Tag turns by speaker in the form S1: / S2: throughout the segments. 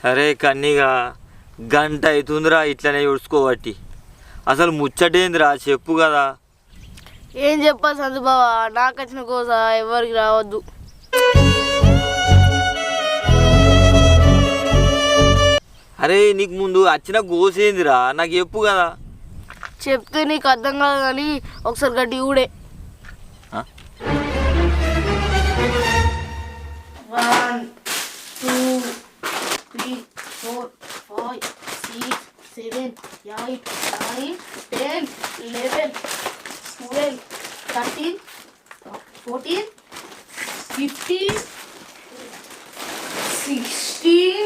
S1: అరే కన్నీగా గంట అవుతుందిరా ఇట్లనే ఉడుచుకోబట్టి. అసలు ముచ్చటేందిరా చెప్పు కదా.
S2: ఏం చెప్పాలి సందుబావ, నాకు వచ్చిన కోస ఎవరికి రావద్దు.
S1: అరే నీకు ముందు వచ్చిన గోసేందిరా నాకు చెప్పు కదా.
S2: చెప్తే నీకు అర్థం కాదు కానీ ఒకసారి గడ్డి ఊడే. 1 2 3 4 5 6 7 8 9 10 11 12 13 14 15 16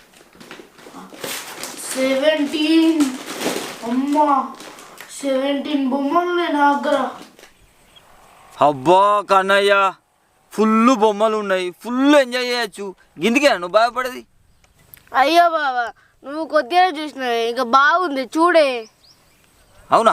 S2: 17 అమ్మా 17 బొమ్మలు నా దగ్గర.
S1: అబ్బా కన్నయ్య ఫుల్ బొమ్మలు ఉన్నాయి, ఫుల్ ఎంజాయ్ చేయొచ్చు. గిందికే నువ్వు బాధపడేది.
S2: అయ్యో బాబా నువ్వు కొద్దిగా చూసినావు, ఇంకా బాగుంది చూడే.
S1: అవునా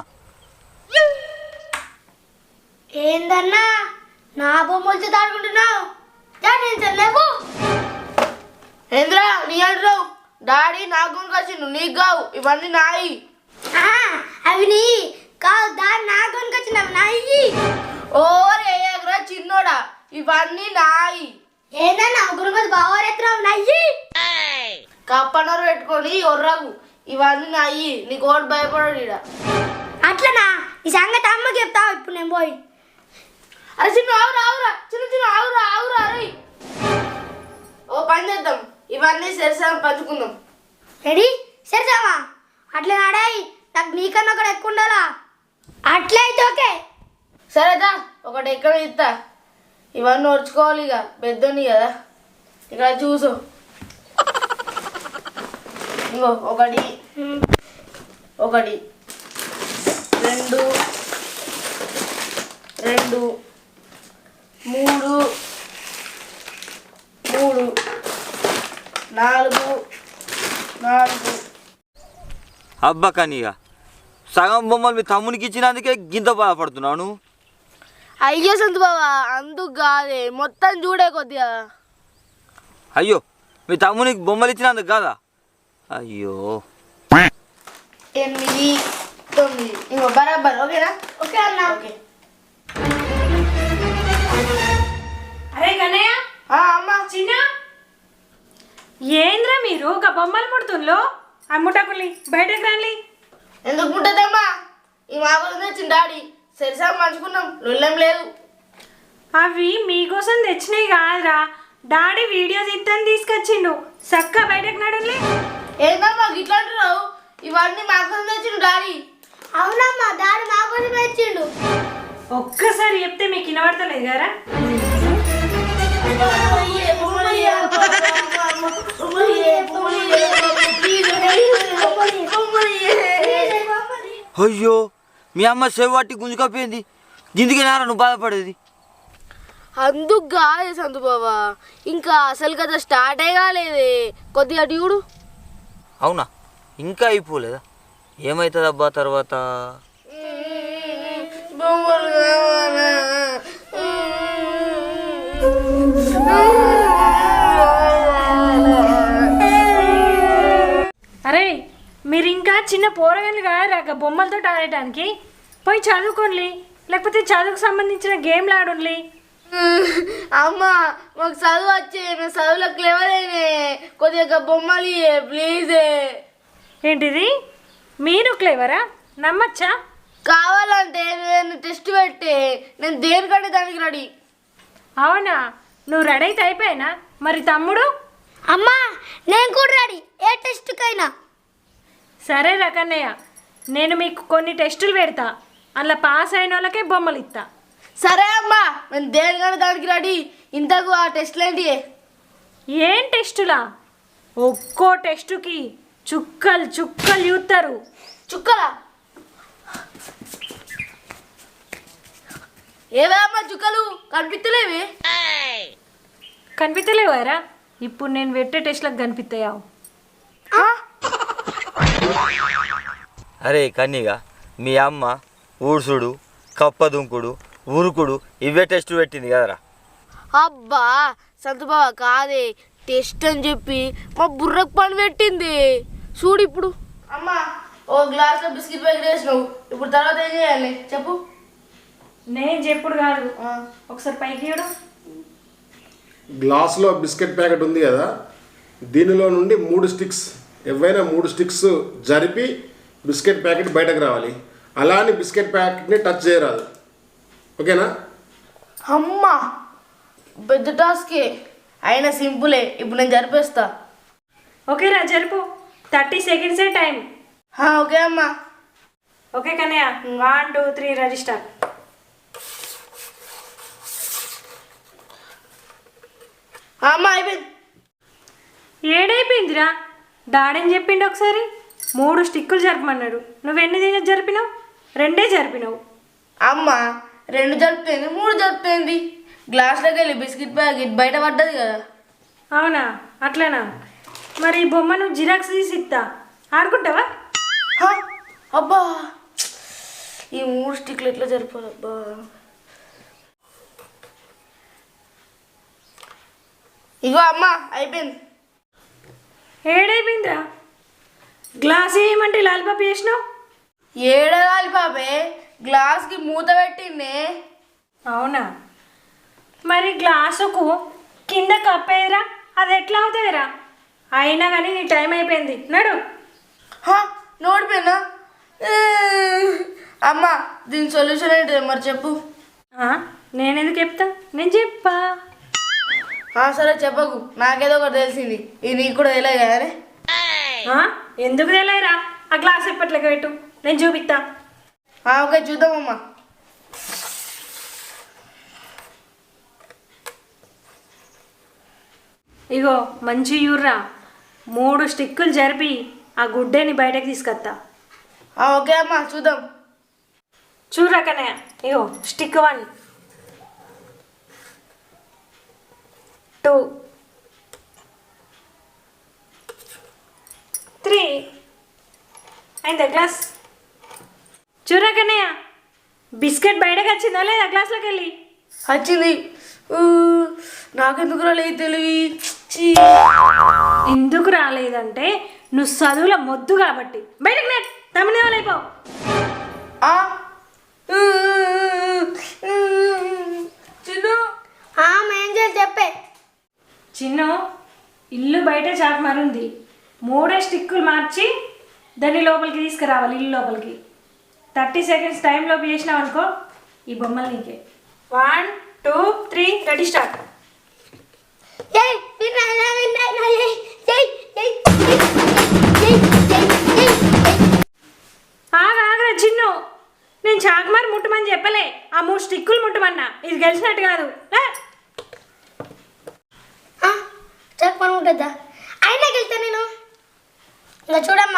S3: ఏందన్నా నా బొమ్మలతో దాడుకుంటున్నావు? లేవు
S2: ఏంద్రా నీ అంటున్నావు? డాడీ నాకు వచ్చిండు, నీకు కావు, ఇవన్నీ నాయి.
S3: అవి నీ కాదు, దాన్ని నా కొనుకొచ్చినావు నాయి.
S2: ఓరే ఏగ్రా చిన్నోడా, ఇవన్నీ నాయి.
S3: ఏందన్నా గురుమతి బావరెత్తున్నావు నాయి?
S2: కప్పనరు పెట్టుకొని ఒర్రగు, ఇవన్నీ నాయి. నీకు ఓటు భయపడాడు ఇడ.
S3: అట్లనా? ఈ సంగతి అమ్మకి చెప్తావు ఇప్పుడు నేను పోయి.
S2: అరే చిన్న ఆవురా ఆవురా, చిన్న చిన్న ఆవురా ఆవురా. అరే ఓ పని చేద్దాం, ఇవన్నీ సరిసరి పంచుకుందాం.
S3: రెడీ సరిసామా? అట్లా నాడాయి, నాకు నీకన్నా ఒకటి ఎక్కువ ఉండాలా? అట్లయితే ఓకే.
S2: సరేదా ఒకటి ఎక్కడ ఇస్తా, ఇవన్నీ వచ్చుకోవాలి. ఇక పెద్దోని కదా, ఇక్కడ చూసు. ఇంకో ఒకటి ఒకటి 2 2 3 3 4 4.
S1: అబ్బా కన్నీగా సగం బొమ్మలు మీ తమ్మునికి ఇచ్చినందుకే గింత బాధపడుతున్నాను.
S2: అయ్యో సంతు బాబా అందుకు కాదే, మొత్తం చూడే కొద్దిగా.
S1: అయ్యో మీ తమ్మునికి బొమ్మలు ఇచ్చినందుకు కాదా? అయ్యో
S2: 8 9 ఇంకో బరాబర్. ఓకేనా?
S3: ఓకే అన్న.
S2: ఓకే.
S4: అరే కన్నయ్య
S2: అమ్మ
S4: చిన్న ఏంద్రా మీరు ఒక బొమ్మలు ముడుతుండ్లో అమ్ముటకుల్ని బయటకు రాలి.
S2: ఎందుకు ముట్టదమ్మా, ఈ మామూలు తెచ్చిన డాడీ సరిసా మంచుకున్నాం, లొల్లేం లేదు.
S4: అవి మీకోసం తెచ్చినాయి కాదురా, డాడీ వీడియో తీద్దని తీసుకొచ్చిండు. చక్క బయటకు నడులే.
S2: ఏందమ్మా గిట్లా అంటున్నావు? ఇవన్నీ మాకోసం తెచ్చిన డాడీ.
S3: అవునమ్మా దాని మా కోసం తెచ్చిండు.
S4: ఒక్కసారి చెప్తే మీకు వినబడతలేదు కదా.
S1: అయ్యో మీ అమ్మ చెవట్టి గుంజుకపోయింది, గిందికి నారా నువ్వు బాధపడేది.
S2: అందుకు కాదే సంతు బాబా, ఇంకా అసలు కదా స్టార్ట్ కాలేదే, కొద్దిగా చూడు.
S1: అవునా ఇంకా అయిపోలేదా? ఏమవుతుందబ్బా తర్వాత?
S2: బొమ్మలు కావాలా?
S4: అరే మీరు ఇంకా చిన్న పోరగాళ్ళు కాదురా బొమ్మలతో ఆడటానికి. పోయి చదువుకోండి, లేకపోతే చదువుకు సంబంధించిన గేమ్లు ఆడుండి.
S2: అమ్మా మాకు చదువు వచ్చే, మేము చదువులకు లేవలేనే, కొద్దిగా బొమ్మలు ప్లీజ్.
S4: ఏంటిది మీరు క్లేవరా? నమ్మచ్చా?
S2: కావాలంటే నేను టెస్ట్ పెట్టే, నేను దేనికంటే దానికి రెడీ.
S4: అవునా, నువ్వు రెడీ అయితే అయిపోయినా మరి తమ్ముడు?
S3: అమ్మా నేను కూడా రెడీ, ఏ టెస్ట్కైనా.
S4: సరే రకన్నయ్య, నేను మీకు కొన్ని టెస్టులు పెడతా, అలా పాస్ అయిన వాళ్ళకే బొమ్మలు ఇస్తా.
S2: సరే అమ్మా నేను దేనికంటే దానికి రెడీ. ఇంతకు ఆ టెస్ట్లు ఏంటి?
S4: ఏం టెస్టులా? ఒక్కో టెస్టుకి చుక్కలు చుక్కలు చూస్తారు.
S2: చుక్కలా? ఏవే అమ్మా చుక్కలు కనిపిస్తలేవి?
S4: కనిపిస్తలేవారా? ఇప్పుడు నేను పెట్టే టెస్ట్లకు కనిపిస్తాయా?
S1: అరే కన్నీగా మీ అమ్మ ఊడ్సుడు, కప్ప దుంకుడు, ఉరుకుడు ఇవే టెస్ట్ పెట్టింది కదరా.
S2: అబ్బా సంతుబావ కాదే, టెస్ట్ అని చెప్పి మా బుర్రకు పని పెట్టింది చూడు ఇప్పుడు. అమ్మా ఓ గ్లాస్లో బిస్కెట్ ప్యాకెట్ వేసినావు, ఇప్పుడు తర్వాత ఏం చేయాలి చెప్పు.
S4: నేను చెప్పుడు కాదు, ఒకసారి పైకి చూడు.
S5: గ్లాసులో బిస్కెట్ ప్యాకెట్ ఉంది కదా, దీనిలో నుండి 3 స్టిక్స్, ఏవైనా 3 స్టిక్స్ జరిపి బిస్కెట్ ప్యాకెట్ బయటకు రావాలి. అలా అని బిస్కెట్ ప్యాకెట్ని టచ్ చేయరాదు, ఓకేనా?
S2: అమ్మా పెద్ద టాస్కే అయినా సింపులే, ఇప్పుడు నేను జరిపేస్తా.
S4: ఓకేరా జరుపు, 30 సెకండ్సే టైం.
S2: ఓకే అమ్మా.
S4: Okay Kannayya, 1 2 3 register.
S2: అమ్మా అయిపోయింది.
S4: ఏడైపోయిందిరా, డాడని చెప్పిండు ఒకసారి 3 స్టిక్కులు జరపమన్నాడు. నువ్వెన్ని జరిపినావు? 2 జరిపినావు.
S2: అమ్మా 2 జరుపుతుంది 3 జరుపుతుంది, గ్లాస్లోకి వెళ్ళి బిస్కెట్ ప్యాకెట్ బయట పడ్డది కదా.
S4: అవునా, అట్లనా? మరి ఈ బొమ్మ నువ్వు జిరాక్స్ తీసి ఇస్తా, ఆడుకుంటావా?
S2: అబ్బా ఈ 3 స్టిక్లు ఎట్లా జరిపాలి అబ్బా. ఇగో అమ్మా అయిపోయింది.
S4: ఏడైపోయిందిరా, గ్లాస్ ఏమంటే లాలిపాప్ చేసినావు.
S2: ఏడగాలి పాపే, గ్లాస్కి మూత పెట్టిండే.
S4: అవునా, మరి గ్లాసుకు కింద కప్పేదిరా, అది ఎట్లా అవుతుందిరా? అయినా కానీ నీ టైం అయిపోయింది, నడు.
S2: నోడిపోయినా అమ్మా, దీని సొల్యూషన్ ఏంటి మరి చెప్పు.
S4: నేను ఎందుకు చెప్తా, నేను చెప్పా.
S2: సరే చెప్పకు, నాకేదో ఒకటి తెలిసింది, ఇది నీకు కూడా తెలియదు కదనే.
S4: ఎందుకు తెలియరా? ఆ గ్లాస్ ఎప్పట్లకి పెట్టు, నేను చూపిస్తా.
S2: ఓకే చూద్దామమ్మా.
S4: ఇగో మంచి యూర్రా, 3 స్టిక్కులు జరిపి ఆ గుడ్డేని బయటకు తీసుకొస్తా.
S2: ఓకే అమ్మా చూద్దాం.
S4: చూడరా కన్నయ్య, ఇగో స్టిక్ 1 2 3 అయిందా గ్లాస్? చూడరా కన్నయ్య, బిస్కెట్ బయటకు వచ్చిందా లేదా గ్లాస్లోకి వెళ్ళి?
S2: వచ్చింది. నాకెందుకు రాలేదు తెలివి.
S4: ఎందుకు రాలేదంటే నువ్వు చదువుల మొద్దు కాబట్టి. బయటకు నెట్ తమిళ అయిపో.
S2: చిన్ను
S3: ఏం చేయాలి చెప్పే.
S4: చిన్ను, ఇల్లు బయట చాట్ మరుంది, 3 స్టిక్కులు మార్చి దాన్ని లోపలికి తీసుకురావాలి, ఇల్లు లోపలికి. 30 సెకండ్స్ టైంలోపు చేసినావు అనుకో, ఈ బొమ్మలు నీకే. 1 2 3 రెడీ స్టార్ట్. ఆగా చిన్ను, నేను చాకుమారు ముట్టమని చెప్పలే, ఆ 3 స్టిక్కులు ముట్టమన్నా. ఇది గెలిచినట్టు కాదు.
S3: చెప్పను ఉంటుందా? అయినా వెళ్తా నేను. ఇంకా చూడమ్మా,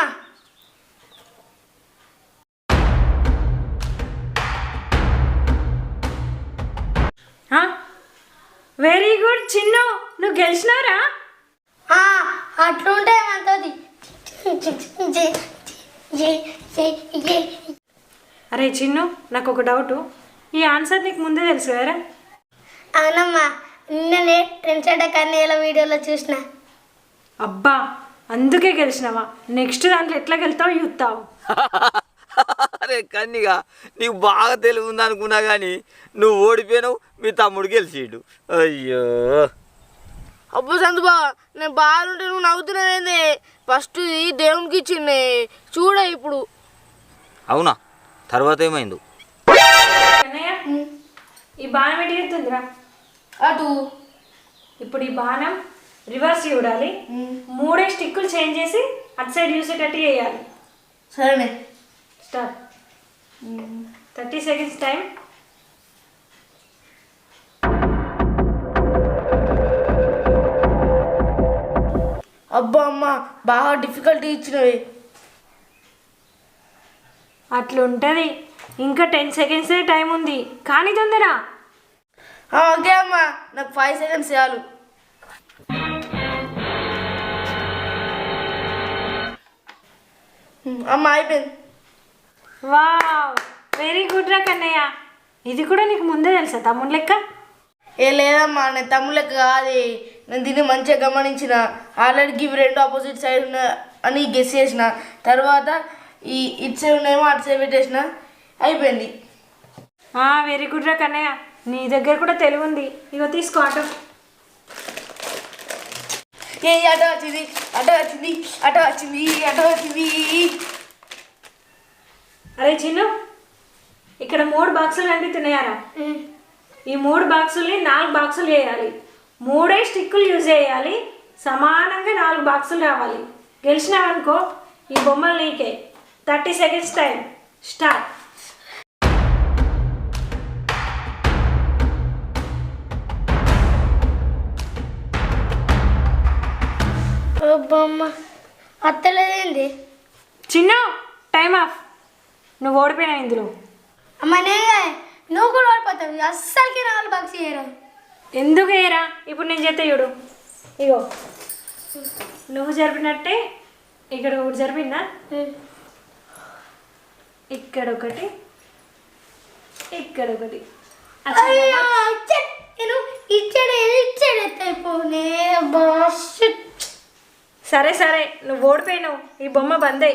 S4: వెరీ గుడ్ చిన్ను, నువ్వు గెలిచినావురా.
S3: అట్లుంటే ఏమంటుంది.
S4: అరే చిన్ను, నాకు ఒక డౌటు, ఈ ఆన్సర్ నీకు ముందే తెలుసు కదరా?
S3: అవునమ్మా, నిన్ననే ట్రెండ్స్ కన్నయ్యల వీడియోలో చూసిన.
S4: అబ్బా, అందుకే గెలిచినావా? నెక్స్ట్ దాంట్లో ఎట్లా గెలుతావు చూస్తావు.
S1: అరే కన్నిగా, నీకు బాగా తెలివి ఉంది అనుకున్నా కానీ నువ్వు ఓడిపోయినావు, మీ తమ్ముడు గెలిచిండు. అయ్యో
S2: అబ్బో సందు బా, నేను బాగుంటే నువ్వు నవ్వుతున్నావేంది? ఫస్ట్ ఇది దేవునికి ఇచ్చిండే చూడ ఇప్పుడు.
S1: అవునా, తర్వాత ఏమైంది?
S4: కన్నయ్య, ఈ బాణం ఎటు వెళ్తుందిరా?
S2: అటు.
S4: ఇప్పుడు ఈ బాణం రివర్స్ చూడాలి, 3 స్టిక్కులు చేంజ్ చేసి అటు సైడ్ చూసేటట్టు చేయాలి.
S2: సరేనే
S4: స్టార్ట్. 30 seconds time.
S2: అబ్బా అమ్మ, బాగా డిఫికల్టీ ఇచ్చినవి.
S4: అట్లుంటుంది, ఇంకా 10 సెకండ్సే టైం ఉంది, కానీ తొందర.
S2: ఓకే అమ్మా, నాకు 5 సెకండ్స్ చాలు. అమ్మ అయిపోయింది.
S4: వావ్, వెరీ గుడ్ రా కన్నయ్య. ఇది కూడా నీకు ముందే తెలుసా తమ్ముడు లెక్క?
S2: లేదమ్మా, నేను తమ్ముడు లెక్క కాదు, నేను దీన్ని మంచిగా గమనించిన. ఆల్రెడీ ఇవి రెండు ఆపోజిట్ సైడ్ ఉన్న అని గెస్ చేసిన. తర్వాత ఈ ఇటు సైడ్ ఉన్నాయేమో అటు సైడ్ పెట్టేసిన, అయిపోయింది.
S4: వెరీ గుడ్ రా కన్నయ్య, నీ దగ్గర కూడా తెలివి ఉంది. ఇగో తీసుకో ఆటో.
S2: ఏ అటో వచ్చింది, అటో వచ్చింది, అటో వచ్చింది, అటో వచ్చింది.
S4: అరే చిన్ను, ఇక్కడ 3 బాక్సులు కనిపిస్తున్నాయారా? ఈ 3 బాక్సుల్ని 4 బాక్సులు చేయాలి. 3 స్టిక్కులు యూజ్ చేయాలి. సమానంగా 4 బాక్సులు రావాలి. గెలిచినావనుకో ఈ బొమ్మలు నీకే. 30 సెకండ్స్ టైం స్టార్ట్.
S3: బొమ్మ అత్తలేదేంది?
S4: చిన్న టైం ఆఫ్. నువ్వు ఓడిపోయినావు ఇందులో.
S3: అమ్మ నేనే, నువ్వు కూడా ఓడిపోతావు. అస్సలకి 4 బాక్స్ చేయరు.
S4: ఎందుకు వేయరా? ఇప్పుడు నేను చేస్తే చూడు. ఇగో నువ్వు జరిపినట్టే ఇక్కడ ఒకటి జరిపిందా, ఇక్కడ ఒకటి, ఇక్కడ ఒకటి.
S3: అయ్యో నేను ఇచ్చాడైపోనే బాస్.
S4: సరే సరే, నువ్వు ఓడిపోయినావు. ఈ బొమ్మ బందే.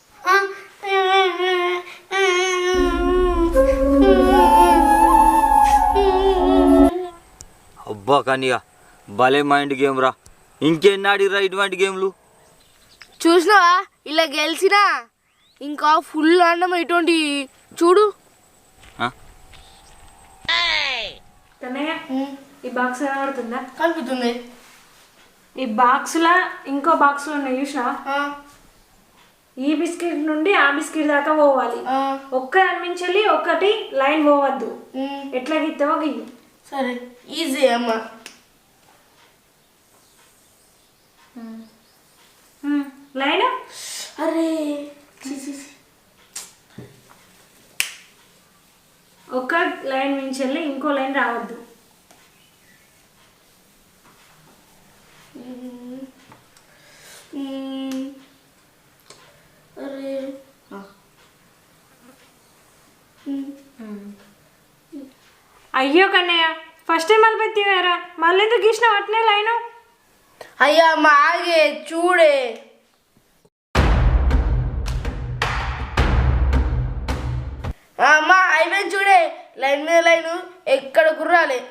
S1: అబ్బా కన్నిగా భలే మైండ్ గేమ్ రా. ఇంకెన్ని ఆడిరా ఇటువంటి గేమ్లు?
S2: చూసినావా, ఇలా గెలిచినా ఇంకా ఫుల్ అన్నం ఇటువంటి చూడు.
S4: కన్నయ్య, ఈ బాక్స్ కనబడుతుందా?
S2: కనిపిస్తుంది.
S4: ఈ బాక్స్లా ఇంకో బాక్స్లో ఉన్నాయి చూసినావా? ఈ బిస్కెట్ నుండి ఆ బిస్కెట్ దాకా పోవాలి. ఒక్క అనిపించాలి, ఒక్కటి లైన్ పోవద్దు. ఎట్లా గీస్తావో గీయి.
S2: సరే, ఈజీ అమ్మ.
S4: లైన్.
S2: అరే
S4: ఒక లైన్ మించెళ్ళి ఇంకో లైన్ రావద్దు.
S2: అరే
S4: అయ్యో కన్నయ్య, ఫస్ట్ టైం మళ్ళీ పెట్టివారా? మళ్ళీ ఎందుకు గీసినావు అట్నే లైను?
S2: అయ్యా అమ్మ ఆగే చూడే. అమ్మ అయిపోయింది చూడే. లైన్ మీద లైను ఎక్కడ కుర్రాలే.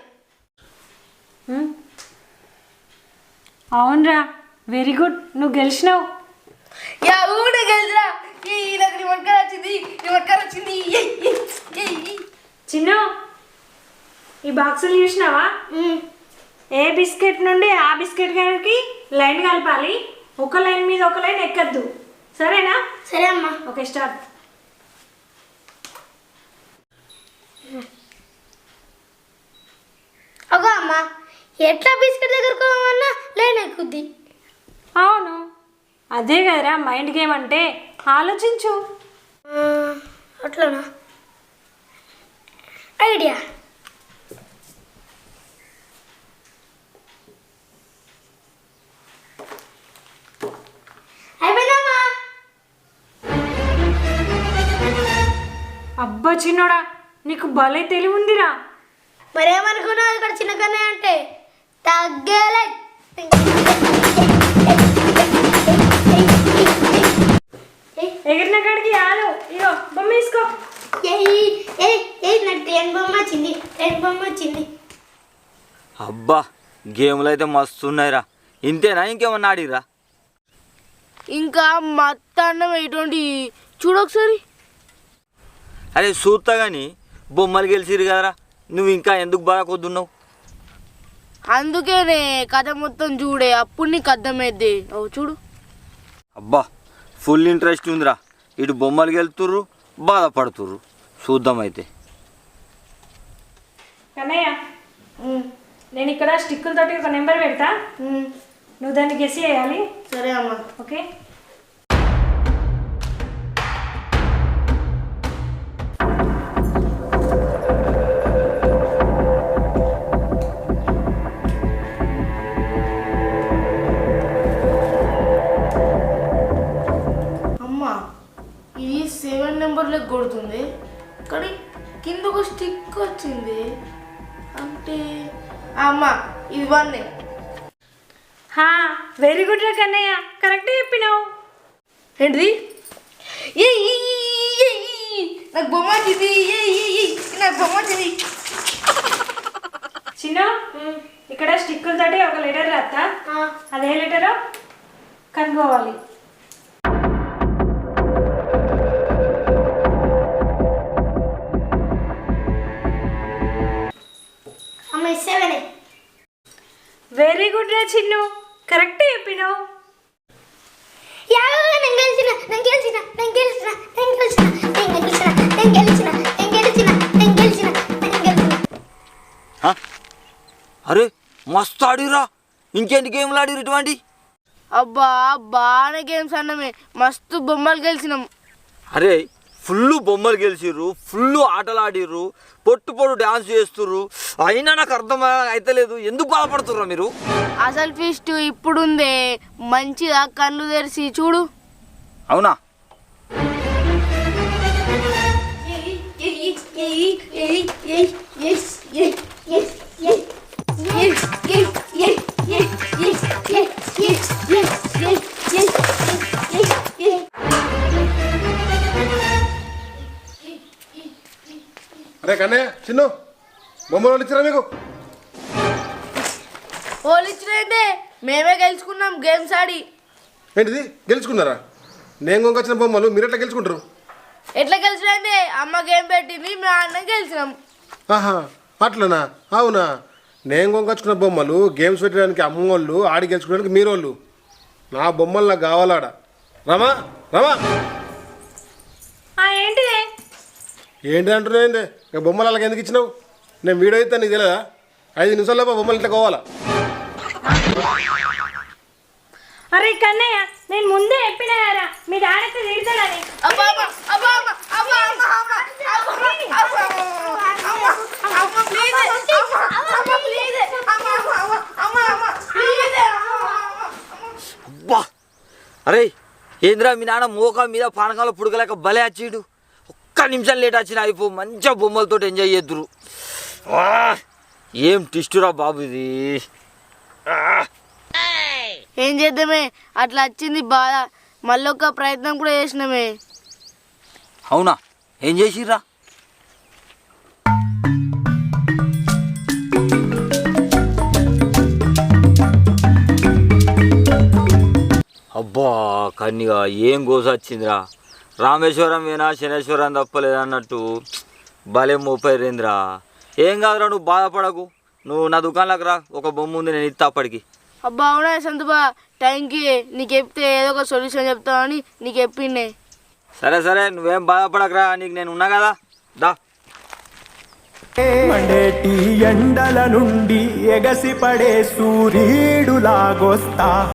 S4: అవునరా, వెరీ గుడ్, నువ్వు గెలిచినావు.
S2: యా ఊడే గెలిచిరా. నాకు నిమ్మకాయ వచ్చింది, నిమ్మకాయ వచ్చింది.
S4: చిన్న, ఈ బాక్సులు చూసినావా? ఏ బిస్కెట్ నుండి ఆ బిస్కెట్ గారికి లైన్ కలపాలి. ఒక లైన్ మీద ఒక లైన్ ఎక్కద్దు, సరేనా?
S3: సరే అమ్మా.
S4: Okay, start.
S3: అగో అమ్మ, ఎట్లా బిస్కెట్ దగ్గరకు పోవన్నా లైన్ ఎక్కుద్ది.
S4: అవును, అదే కదరా మైండ్ గేమ్ అంటే. ఆలోచించు.
S3: అట్లానా? ఐడియా. అయిపోయిందమ్మా.
S4: అబ్బా చిన్నోడా, నీకు భలే తెలివి ఉందిరా.
S3: మరేమనుకున్నావు ఇక్కడ చిన్న కన్నయ్య అంటే? తగ్గలే.
S4: ఎగిరిన కాడికి ఆలు. ఇగో బొమ్మ తీసుకో.
S3: నాకు ట్రైన్ బొమ్మ వచ్చింది, ట్రైన్ బొమ్మ వచ్చింది.
S1: అబ్బా గేమ్లు అయితే మస్తు ఉన్నాయిరా. ఇంతేనా, ఇంకేమన్నా ఆడిరా?
S2: ఇంకా మత్త అన్నం ఇటువంటి చూడు ఒకసారి.
S1: అరే చూస్తా కానీ బొమ్మలు గెలిచిరు కదరా, నువ్వు ఇంకా ఎందుకు బాగా కొద్దున్నావు?
S2: అందుకేనే కథ మొత్తం చూడే, అప్పుడు నీకు అర్థమైద్ది. ఓ చూడు.
S1: అబ్బా ఫుల్ ఇంట్రెస్ట్ ఉందిరా. ఇటు బొమ్మలు గెలుతుర్రు, బాధపడుతుర్రు. చూద్దాం అయితే.
S4: కన్నయ్య, నేను ఇక్కడ స్టిక్కులతోటి ఒక నెంబర్ పెడతా, నువ్వు దాన్ని గెస్ చేయాలి.
S2: సరే అమ్మ.
S4: ఓకే.
S2: అమ్మ ఇది 7 నెంబర్లకు కొడుతుంది, కానీ కింద ఒక స్టిక్ వచ్చింది. అంటే అమ్మ ఇది 1.
S4: హా వెరీ గుడ్ రా కన్నయ్య, కరెక్ట్ చెప్పినావు.
S2: ఏంటిది? నాకు బొమ్మ వచ్చింది, నాకు బొమ్మ వచ్చింది.
S4: చిన్న ఇక్కడ స్టిక్కుల తోటి ఒక లెటర్ రాస్తా, అదే లెటరో కనుక్కోవాలి.
S3: అమ్మ 7.
S4: వెరీ గుడ్ రా చిన్ను, కరెక్ట్ చెప్పినావు.
S1: అరే మస్తు ఆడిరా, ఇంకేంటి గేమ్లు ఆడిరు ఇటువంటి?
S2: అబ్బా బాగానే గేమ్స్ అన్నమే, మస్తు బొమ్మలు గెలిచినాం.
S1: అరే ఫుల్ బొమ్మలు గెలిచిర్రు, ఫుల్ ఆటలు ఆడిర్రు, పొట్టు పొట్టు డ్యాన్స్ చేస్తుర్రు. అయినా నాకు అర్థం అయితలేదు, ఎందుకు బాధపడుతుర్రా మీరు?
S2: అసలు ఫీస్ట్ ఇప్పుడుందే, మంచిగా కళ్ళు తెరిచి చూడు.
S1: అవునా?
S5: అరే కన్నయ్య చిన్ను బొమ్మలు ఇచ్చారా మీకు?
S2: వాళ్ళు ఇచ్చినట్టే మేమే గెలుచుకున్నాం గేమ్స్ ఆడి.
S5: ఏంటిది గెలుచుకున్నారా? నేను కొనుకొచ్చిన బొమ్మలు మీరు ఎట్లా గెలుచుకుంటారు?
S2: ఎట్లా గెలిచినంటే అమ్మ గేమ్ పెట్టింది, మా అన్న గెలిచినాం.
S5: ఆహా అట్లనా? అవునా? నేను కొనుకొచ్చుకున్న బొమ్మలు గేమ్స్ పెట్టడానికి అమ్మోళ్ళు, ఆడి గెలుచుకోవడానికి మీరోళ్ళు. నా బొమ్మలు నాకు కావాలాడ. రమా రమా
S4: ఏంటిదే?
S5: ఏంటి అంటున్నావు? ఏంటి ఇక బొమ్మలు అలాగ ఎందుకు ఇచ్చినావు? నేను వీడియో ఇస్తాను, నీకు తెలియదా? 5 నిమిషాల్లో బొమ్మలు ఇట్లా కావాలా?
S4: అరే కన్నయ్య, నేను ముందే చెప్పినా కదా మీ డాడీతో తిడతాడని.
S2: అబ్బా అమ్మ, అబ్బా అమ్మ, అబ్బా అమ్మ, అమ్మ, అబ్బా, అబ్బా, అమ్మ, అమ్మ, ప్లీజ్, అమ్మ, అమ్మ, ప్లీజ్, అమ్మ, అమ్మ, అమ్మ, అమ్మ, ప్లీజ్,
S1: అబ్బా అరే ఏంద్రా మీ నాన్న మోకా మీద పానకాల పుడకలేక భలే వచ్చిడు. ఒక్క నిమిషం లేట్ వచ్చిన అయిపో, మంచిగా బొమ్మలతో ఎంజాయ్ చేద్దురు. ఏం టిస్టురా బాబు ఇది.
S2: ఏం చేద్దామే, అట్లా వచ్చింది బాధ. మళ్ళీ ఒక ప్రయత్నం కూడా చేసినామే.
S1: అవునా? ఏం చేసిర్రా? అబ్బా కన్నిగా ఏం గోస వచ్చిందిరా. రామేశ్వరం వేనా శనేశ్వరం తప్పలేదన్నట్టు భలే మోపైరేంద్రా. ఏం కాదురా, నువ్వు బాధపడకు. నువ్వు నా దుకాణంలోకి రా, ఒక బొమ్మ ఉంది, నేను ఇస్తా అప్పటికి.
S2: అబ్బా అవునా సంతుబా, థ్యాంక్ యూ. నీకు చెప్తే ఏదో ఒక సొల్యూషన్ చెప్తామని నీకు చెప్పిండే.
S1: సరే సరే, నువ్వేం బాధపడకరా, నీకు నేను ఉన్నా కదా, దా.
S6: మండేటి ఎండల నుండి ఎగసిపడే సూర్యుడులాగొస్తా.